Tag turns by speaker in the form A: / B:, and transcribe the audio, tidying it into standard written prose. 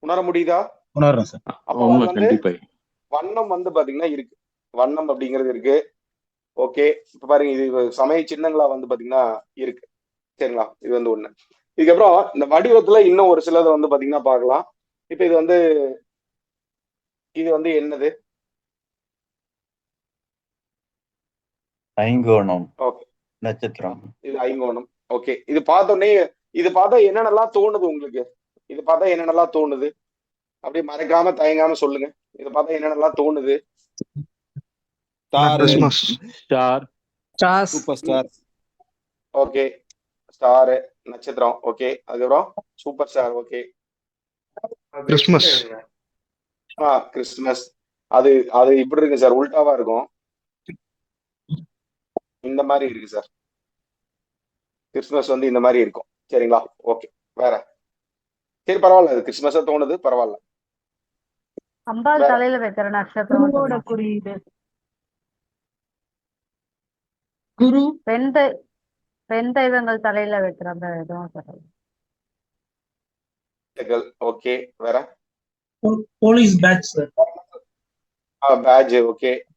A: உணர முடியுதா?
B: உணர்றேன் சார்.
A: அப்போ அது
C: உண்மை,
A: வந்து
C: கண்டிப்பா.
A: வண்ணம் வந்து பாத்தீங்கன்னா இருக்கு. வண்ணம் அப்படிங்கிறது இருக்கு. ஓகே. இப்ப பாருங்க, இது சமய சின்னங்களா வந்து பாத்தீங்கன்னா இருக்கு. சரிங்களா? இது வந்து ஒண்ணு. இதுக்கப்புறம் இந்த வடிவத்துல இன்னும் ஒரு சிலதை வந்து பாத்தீங்கன்னா பார்க்கலாம். இப்ப இது வந்து என்னது?
D: ஐங்கோணம்,
A: ஓகே.
D: நட்சத்திரம்.
A: இது ஐங்கோணம். ஓகே. இது பார்த்தோன்னே இது பார்த்தா என்னென்னலாம் தோணுது உங்களுக்கு? இது பார்த்தா என்னென்னலாம் தோணுது? அப்படியே மறைக்காம தயங்காம சொல்லுங்க. இதை பார்த்தா என்னென்னலாம் தோணுது?
E: Star,
F: Christmas,
C: star,
E: stars,
F: super star,
A: okay. Star, நட்சத்திரம். ஓகே. அதுக்கப்புறம் super star. Okay.
F: Christmas,
A: Christmas. அது அது இப்படி இருக்கு சார், உல்டாவா இருக்கும். இந்த மாதிரி இருக்கு சார். கிறிஸ்துமஸ் வந்து இந்த மாதிரி இருக்கும். சரிங்களா? ஓகே. வேற. சரி, பரவாயில்ல. அது கிறிஸ்துமஸா தோணுது, பரவாயில்ல.
G: அம்பாள்
A: வேற.
G: தலையில வைக்கிற நட்சத்திரம்
H: குருவோட
G: சொல்லலாம்.
H: குறியீடு. குரு
G: பெண் பெண் தெய்வங்கள் தலையில வைக்கிற அந்த இதுவும் சொல்லலாம்.
A: ஓகே. வேற.
H: Police badge sir.
A: Badge. Okay.